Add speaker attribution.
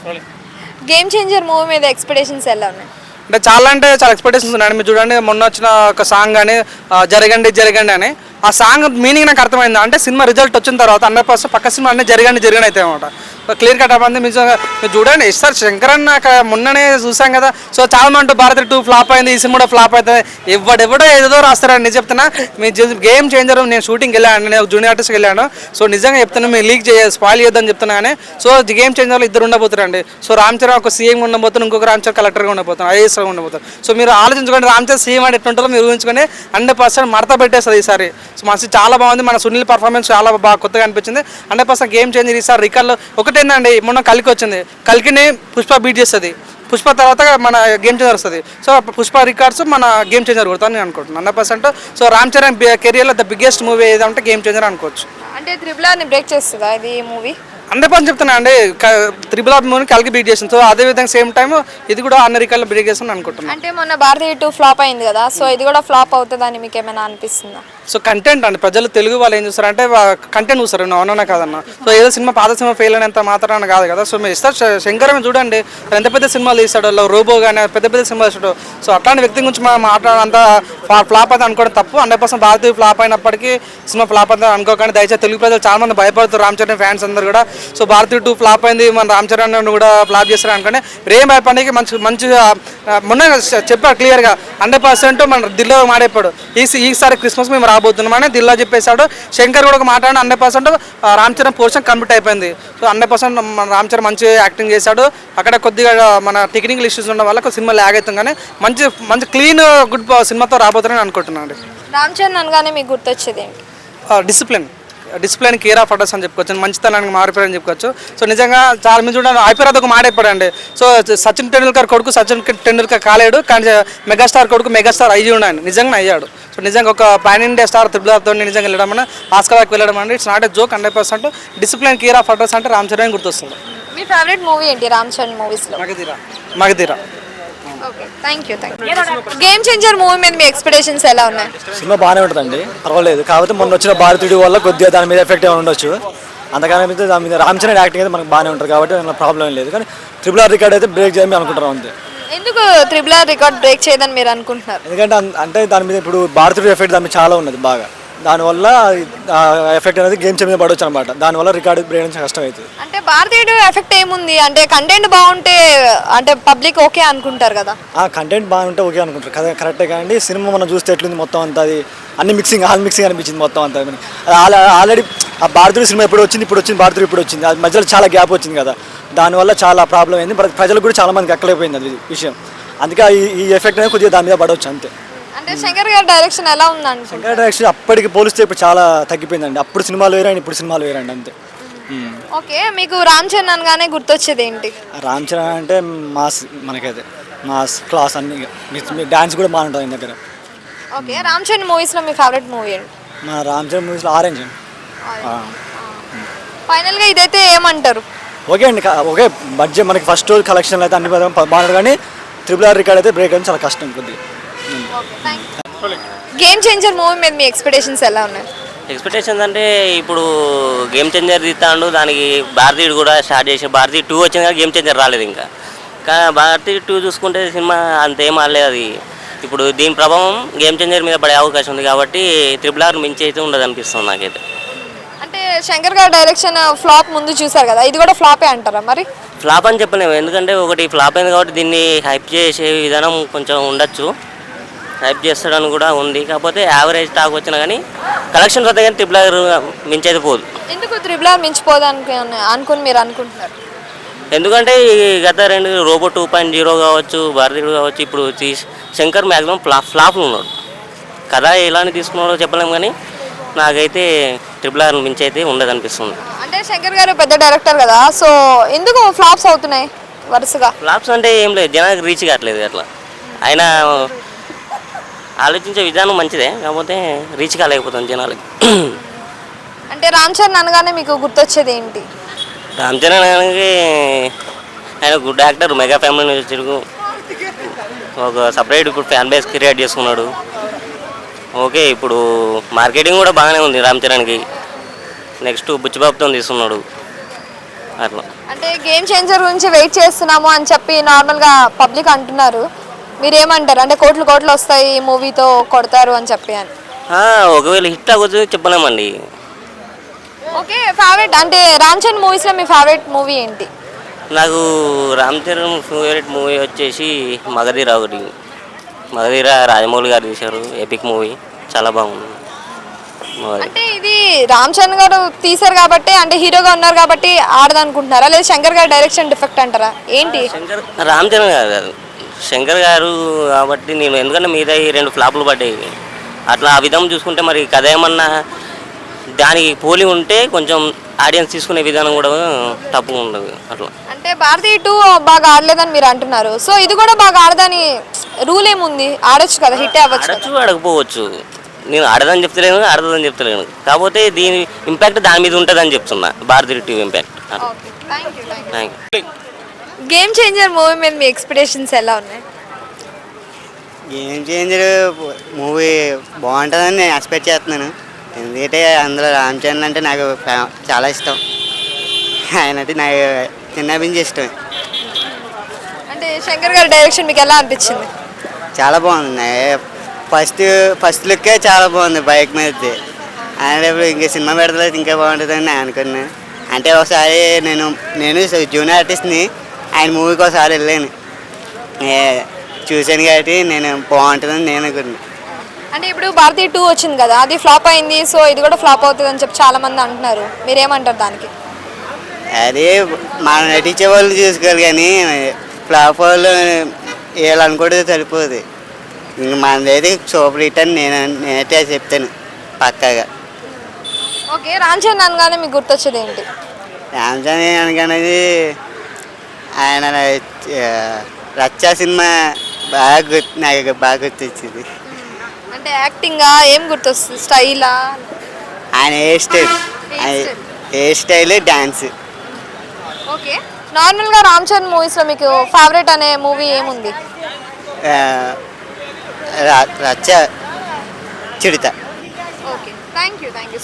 Speaker 1: Game Changer movie మీద expectations ఎలా ఉన్నాయి?
Speaker 2: అంటే చాలా ఎక్స్పెక్టేషన్స్ ఉన్నాయండి. మీరు చూడండి, మొన్న వచ్చిన ఒక సాంగ్ కానీ జరగండి జరగండి అని, ఆ సాంగ్ మీనింగ్ నాకు అర్థమైంది. అంటే సినిమా రిజల్ట్ వచ్చిన తర్వాత 100% పక్క సినిమా అన్నీ జరగండి అయితే అనమాట. క్లియర్ కట్ అవ్వండి. మీరు చూడండి సార్, శంకర్ అన్న మొన్ననే చూసాం కదా. సో చాలా మంది భారత్ 2 ఫ్లాప్ అయింది, ఈ సినిమా కూడా ఫ్లాప్ అవుతుంది, ఎవడెవడో ఏదో రాస్తారండి. నిజం చెప్తున్నా, మీ గేమ్ చేంజర్ నేను షూటింగ్కి వెళ్ళాను, నేను జూనియర్ ఆర్టిస్ట్కి వెళ్ళాను. సో నిజంగా చెప్తున్నా, మీరు లీక్ స్పాయిల్ చేయొద్దని చెప్తున్నా. కానీ సో గేమ్ చేంజర్లో 2 ఉండబోతారండి. సో రామ్ చరణ్ ఒక సీఎం ఉండబోతున్నారు, ఇంకొక రామ్ చరణ్ కలెక్టర్గా ఉండబోతున్నారు, ఐఏఎస్గా ఉండబోతారు. సో మీరు ఆలోచించుకోండి, రామ్ చరణ్ సీఎం అంటే ఎట్లుంటారో మీరు ఊహించుకొని 100% మడత పెట్టేస్తుంది ఈసారి. సో మనసు చాలా బాగుంది, మన సునీల్ పర్ఫార్మెన్స్ చాలా బాగా కొత్తగా అనిపించింది. 100% గేమ్ చేంజర్ ఈసారి. రికార్డులో ఒకటేందండి, మొన్న కలికి వచ్చింది, కలికిని పుష్ప బీట్ చేస్తుంది, పుష్ప తర్వాత మన గేమ్ చేంజర్ వస్తుంది. సో పుష్ప రికార్డ్స్ మన గేమ్ చేంజర్ కొడతాను నేను అనుకుంటున్నాను 100%. సో రామ్ చరణ్ కెరియర్లో ద బిగ్గెస్ట్ మూవీ ఏదంటే గేమ్ చేంజర్ అనుకోవచ్చు.
Speaker 1: అంటే త్రిబుల్ బ్రేక్ చేస్తుందా ఇది మూవీ?
Speaker 2: 100% చెప్తున్నా అండి, త్రిబుల్ ఆర్ మూవీని కలిగి బీట్ చేసింది. సో అదేవిధంగా సేమ్ టైం ఇది కూడా అన్ని రికార్డులు బ్రేక్ చేస్తాను అనుకుంటున్నాను.
Speaker 1: అంటే మొన్న భారతీయ 2 ఫ్లాప్ అయింది కదా, సో ఇది కూడా ఫ్లాప్ అవుతుందని మీకు ఏమైనా అనిపిస్తుందా?
Speaker 2: సో కంటెంట్ అండి, ప్రజలు తెలుగు వాళ్ళు ఏం చూస్తారంటే కంటెంట్ చూస్తారు, అవునన్నా కాదన్న. సో ఏదో సినిమా పాత సినిమా ఫెయిల్ అయినంత మాత్రాన కాదు కదా. సో మీరు ఇస్తారు శంకర్ చూడండి, ఎంత పెద్ద సినిమాలు తీస్తాడు, రోబో కానీ పెద్ద పెద్ద సినిమాలు తీస్తాడు. సో అట్లాంటి వ్యక్తి గురించి మనం మాట్లాడంత ఫ్లాప్ అయితే అనుకోవడం తప్పు. 100% భారతీయ ఫ్లాప్ అయినప్పటికీ సినిమా ఫ్లాప్ అయితే అనుకోకండి దయచేసి. తెలుగు ప్రజలు చాలా మంది భయపడుతారు, రామ్ చరణ్ ఫ్యాన్స్ అందరు కూడా. సో భారతీయ 2 ఫ్లాప్ అయింది, మన రామ్ చరణ్ కూడా ఫ్లాప్ చేస్తారు అనుకోండి. రేం భయపడికి మంచిగా మొన్న చెప్పాడు క్లియర్గా, 100% మన దిల్లో మాడైపోయాడు, ఈసారి క్రిస్మస్ మేము రాబోతున్నామని దిల్లా చెప్పేశాడు. శంకర్ కూడా ఒక మాట్లాడి 100% రామ్ చరణ్ పోర్షన్ కంప్లీట్ అయిపోయింది. సో 100% మన రామ్ చరణ్ మంచి యాక్టింగ్ చేశాడు. అక్కడ కొద్దిగా మన టెక్నికల్ ఇష్యూస్ ఉండడం వల్ల సినిమా ల్యాగ్ అవుతుంది, కానీ మంచి క్లీన్ గుడ్ సినిమాతో రాబోతుందని అనుకుంటున్నాను.
Speaker 1: రామ్ చరణ్ అనగానే మీకు గుర్తొచ్చేది ఏంటి?
Speaker 2: డిసిప్లిన్ కేర్ ఆఫ్ అడ్రస్ అని చెప్పుకోవచ్చు, మంచితనానికి మారిపోయారని చెప్పుకోవచ్చు. సో నిజంగా చాలా మంది చూడండి, ఐపీఆర్ ఒక మాట అయిపోయాడండి. సో సచిన్ టెండూల్కర్ కొడుకు సచిన్ టెండూల్కర్ కాలేడు, కానీ మెగాస్టార్ కొడుకు మెగాస్టార్ అయ్యి ఉన్నాడు, నిజంగా అయ్యాడు. సో నిజంగా ఒక పాన్ ఇండియా స్టార్ త్రిబుల్తో నిజంగా వెళ్ళడం అని, ఆస్కార్ దాకా వెళ్ళడం అంటే it's not a joke. 100% discipline care of address అంటే రామ్ చరణ్ గుర్తొస్తుంది.
Speaker 1: మీ ఫేవరెట్ మూవీ ఏంటి రామ్ చరణ్ మూవీస్లో?
Speaker 2: Magadheera.
Speaker 1: Okay, thank you. Game Changer movie మీద మీ ఎక్స్పెక్టేషన్స్ ఎలా ఉన్నాయి?
Speaker 3: సినిమా బాగానే ఉంటుందండి, పర్వాలేదు. కాకపోతే మొన్న వచ్చిన భారతీయుడి వల్ల కొద్దిగా దాని మీద ఎఫెక్ట్ ఏమైనా ఉండొచ్చు. అంతగానే దాని మీద రామ్ చరణ్ యాక్టింగ్ అయితే మనకు బాగానే ఉంటుంది కాబట్టి దానిలో ప్రాబ్లం లేదు. కానీ త్రిబుల్ ఆర్ రికార్డ్ అయితే బ్రేక్ చేయమని అనుకుంటున్నాం అంతే.
Speaker 1: ఎందుకు త్రిబుల్ ఆర్ రికార్డ్ బ్రేక్ చేయదని మీరు అనుకుంటున్నారు?
Speaker 3: ఎందుకంటే అంటే దాని మీద ఇప్పుడు భారతీయుడి ఎఫెక్ట్ దాని మీద చాలా ఉన్నది బాగా, దానివల్ల ఎఫెక్ట్ అనేది గేమ్ చేంజ్ మీద పడవచ్చు అనమాట. దానివల్ల రికార్డు బ్రేక్ చేయడం కష్టం అవుతుంది.
Speaker 1: అంటే భారతీయుడు ఎఫెక్ట్ ఏముంది అంటే కంటెంట్ బాగుంటే అంటే పబ్లిక్ ఓకే అనుకుంటారు కదా.
Speaker 3: కంటెంట్ బాగుంటే ఓకే అనుకుంటారు కదా, కరెక్టే. కానీ సినిమా మనం చూస్తే ఎట్లుంది మొత్తం అంతా, అది అన్ని మిక్సింగ్ అనిపించింది మొత్తం అంతా. ఆల్రెడీ ఆ భారతీయుడు సినిమా ఇప్పుడు వచ్చింది భారతీయుడు ఇప్పుడు వచ్చింది, అది మధ్యలో చాలా గ్యాప్ వచ్చింది కదా, దానివల్ల చాలా ప్రాబ్లం అయింది. ప్రజలకు కూడా చాలా మందికి ఎక్కలేకపోయింది అది విషయం. అందుకే ఈ ఎఫెక్ట్ అనేది కొద్దిగా దాని మీద పడవచ్చు అంతే.
Speaker 1: అంటే శంకర్ గారి డైరెక్షన్ ఎలా ఉందండి?
Speaker 3: శంకర్ డైరెక్షన్ అప్పటికి పోలిస్తే ఇప్పుడు చాలా తగ్గిపోయిందండి. అప్పుడు సినిమాలు వేరండి, ఇప్పుడు సినిమాలు వేరండి అంతే.
Speaker 1: ఓకే, మీకు రామ్ చరణ్ అనగానే గుర్తొచ్చేది ఏంటి?
Speaker 3: రామ్ చరణ్ అంటే మాస్, మనకైతే మాస్ క్లాస్ అన్ని, డాన్స్ కూడా బాగుంటుంది ఆయన దగ్గర.
Speaker 1: ఓకే, రామ్ చరణ్ మూవీస్లో మీ ఫేవరెట్ మూవీ ఏంటి?
Speaker 3: మా రామ్ చరణ్ మూవీస్లో ఆరెంజ్.
Speaker 1: ఫైనల్గా ఇదైతే ఏమంటారు?
Speaker 3: ఓకే అండి, ఓకే. బడ్జెట్ మనకి ఫస్ట్ కలెక్షన్ అయితే అన్ని బాగుంటుంది, కానీ త్రిబుల్ ఆర్ రికార్డ్ అయితే బ్రేక్ అని చాలా కష్టం కొద్దిగా.
Speaker 1: గేమ్ చేంజర్ మూవీ మీద మీ ఎక్స్పెక్టేషన్స్ ఎలా ఉన్నాయి?
Speaker 4: ఎక్స్పెక్టేషన్స్ అంటే ఇప్పుడు గేమ్ చేంజర్ తీస్తాడు, దానికి భారతీయుడు కూడా స్టార్ట్ చేసి భారతీయ 2 వచ్చింది కానీ గేమ్ చేంజర్ రాలేదు ఇంకా. కానీ భారతీయ 2 చూసుకుంటే సినిమా అంతేం ఆడలేదు అది. ఇప్పుడు దీని ప్రభావం గేమ్ చేంజర్ మీద పడే అవకాశం ఉంది కాబట్టి త్రిబుల్ ఆర్ మించి అయితే ఉండదు అనిపిస్తుంది నాకైతే.
Speaker 1: అంటే శంకర్ గారి డైరెక్షన్ ఫ్లాప్ ముందు చూసారు కదా, ఇది కూడా ఫ్లాపే అంటారా మరి?
Speaker 4: ఫ్లాప్ అని చెప్పలేము, ఎందుకంటే ఒకటి ఫ్లాప్ అయింది కాబట్టి దీన్ని హైప్ చేసే విధానం కొంచెం ఉండొచ్చు, హైప్ చేస్తాడని కూడా ఉంది. కాకపోతే యావరేజ్ టాక్ వచ్చినా కానీ కలెక్షన్స్ వద్ద కానీ త్రిబుల్ ఆర్ మించైతే పోదు.
Speaker 1: ఎందుకు త్రిబుల్ ఆర్ మించిపోదు అనుకుని మీరు అనుకుంటున్నారు?
Speaker 4: ఎందుకంటే ఈ గత 2 రోబో 2.0 కావచ్చు, భారతీయుడు కావచ్చు, ఇప్పుడు శంకర్ మ్యాక్సిమం ఫ్లాప్లు ఉన్నాడు కదా, ఎలాని తీసుకున్నాడో చెప్పలేము. కానీ నాకైతే త్రిబుల్ ఆర్ మించి అయితే ఉండదు అనిపిస్తుంది.
Speaker 1: అంటే శంకర్ గారు పెద్ద డైరెక్టర్ కదా, సో ఎందుకు ఫ్లాప్స్ అవుతున్నాయి వరుసగా?
Speaker 4: ఫ్లాప్స్ అంటే ఏం లేదు, జనానికి రీచ్ కావట్లేదు అట్లా. ఆయన ఆలోచించే విధానం మంచిదే, కాకపోతే రీచ్ కాలేకపోతుంది జనాలకి.
Speaker 1: అంటే రామ్ చరణ్ అనగానే మీకు గుర్తొచ్చేది ఏంటి?
Speaker 4: రామ్ చరణ్ అనగానే ఆయన గుడ్ యాక్టర్, మెగా ఫ్యామిలీ నుంచి తిరుగు ఒక సపరేట్ ఇప్పుడు ఫ్యాన్ బేస్ క్రియేట్ చేసుకున్నాడు. ఓకే, ఇప్పుడు మార్కెటింగ్ కూడా బాగానే ఉంది రామ్ చరణ్కి. నెక్స్ట్ బుచ్చిబాబుతో తీసుకున్నాడు అట్లా.
Speaker 1: అంటే గేమ్ చేంజర్ గురించి వెయిట్ చేస్తున్నాము అని చెప్పి నార్మల్గా పబ్లిక్ అంటున్నారు. మీరేమంటారు? అంటే కోట్లు కోట్లు వస్తాయి ఈ మూవీతో కొడతారు అని చెప్పి అని.
Speaker 4: ఒకవేళ హిట్ అవ్వచ్చు చెప్పలేమండి.
Speaker 1: ఓకే, ఫేవరెట్ అంటే రామ్ చరణ్ మూవీస్లో మీ ఫేవరెట్ మూవీ ఏంటి?
Speaker 4: నాకు రామ్ చరణ్ ఫేవరెట్ మూవీ వచ్చేసి మగధీర ఒకటి. మగధీర రాజమౌళి గారు తీశారు, ఎపిక్ మూవీ, చాలా బాగుంది.
Speaker 1: అంటే ఇది రామ్ చరణ్ గారు తీశారు కాబట్టి, అంటే హీరోగా ఉన్నారు కాబట్టి ఆడదనుకుంటున్నారా, లేదా శంకర్ గారు డైరెక్షన్ డిఫెక్ట్ అంటారా ఏంటి?
Speaker 4: రామ్ చరణ్ గారు కాదు, శంకర్ గారు కాబట్టి నేను, ఎందుకంటే మీద ఈ 2 ఫ్లాపులు పడ్డాయి. అట్లా ఆ విధం చూసుకుంటే మరి కథ ఏమన్నా దానికి పోలి ఉంటే కొంచెం ఆడియన్స్ తీసుకునే విధానం కూడా తప్పుగా ఉండదు అట్లా.
Speaker 1: అంటే భారతీ 2 బాగా ఆడలేదని మీరు అంటున్నారు. సో ఇది కూడా బాగా ఆడదని రూల్ ఏముంది? ఆడొచ్చు కదా, హిట్ అవ్వచ్చు.
Speaker 4: ఆడచ్చు ఆడకపోవచ్చు, నేను ఆడదని చెప్తలేను, ఆడదని చెప్తలేను. కాకపోతే దీని ఇంపాక్ట్ దాని మీద ఉంటుందని చెప్తున్నా, Bharati 2 impact. Thank you.
Speaker 1: Game Changer movie మీద మీ ఎక్స్పెక్టేషన్స్ ఎలా ఉన్నాయి?
Speaker 5: గేమ్ చేంజర్ మూవీ బాగుంటుందని నేను ఎక్స్పెక్ట్ చేస్తున్నాను. ఎందుకంటే అందులో రామ్ చరణ్ అంటే నాకు చాలా ఇష్టం. ఆయన అంటే నాకు చిన్నప్పటి నుంచి ఇష్టమే.
Speaker 1: అంటే శంకర్ గారి డైరెక్షన్ మీకు ఎలా అనిపించింది?
Speaker 5: చాలా బాగుంది. ఫస్ట్ లుక్కే చాలా బాగుంది బైక్ మీద. ఆయన ఇప్పుడు ఇంకా సినిమా పెడతలేదు ఇంకా బాగుంటుందని నేను అనుకున్నాను. అంటే ఒకసారి నేను జూనియర్ ఆర్టిస్ట్ని, ఆయన మూవీకి ఒకసారి వెళ్ళాను, చూశాను కాబట్టి నేను బాగుంటుందని నేను అనుకున్నాను.
Speaker 1: అంటే ఇప్పుడు భారతీ 2 వచ్చింది కదా, అది ఫ్లాప్ అయింది, సో ఇది కూడా ఫ్లాప్ అవుతుంది అని చెప్పి చాలా మంది అంటున్నారు. మీరేమంటారు దానికి?
Speaker 5: అదే మనం నటించే వాళ్ళు చూసుకోవాలి కానీ ఫ్లాప్ వాళ్ళు వేయాలనుకుంటే సరిపోదు. ఇంక మనదైతే సూపర్ హిట్ అని నేనైతే చెప్తాను పక్కాగా.
Speaker 1: ఓకే, రామ్ చరణ్ అనగానే మీకు గుర్తొచ్చేది ఏంటి?
Speaker 5: రామ్ చరణ్ అనగానేది ఆయన రచ్చా సినిమా నాకు బాగా గుర్తొచ్చింది.
Speaker 1: అంటే యాక్టింగా ఏం గుర్తొస్తుంది? స్టైలా?
Speaker 5: ఆయన హెయిర్ స్టైల్ డాన్స్.
Speaker 1: ఓకే, నార్మల్గా రామ్ చరణ్ మూవీస్లో మీకు ఫేవరెట్ అనే మూవీ ఏముంది?
Speaker 5: రచ్చ చిడత.
Speaker 1: Okay, thank you.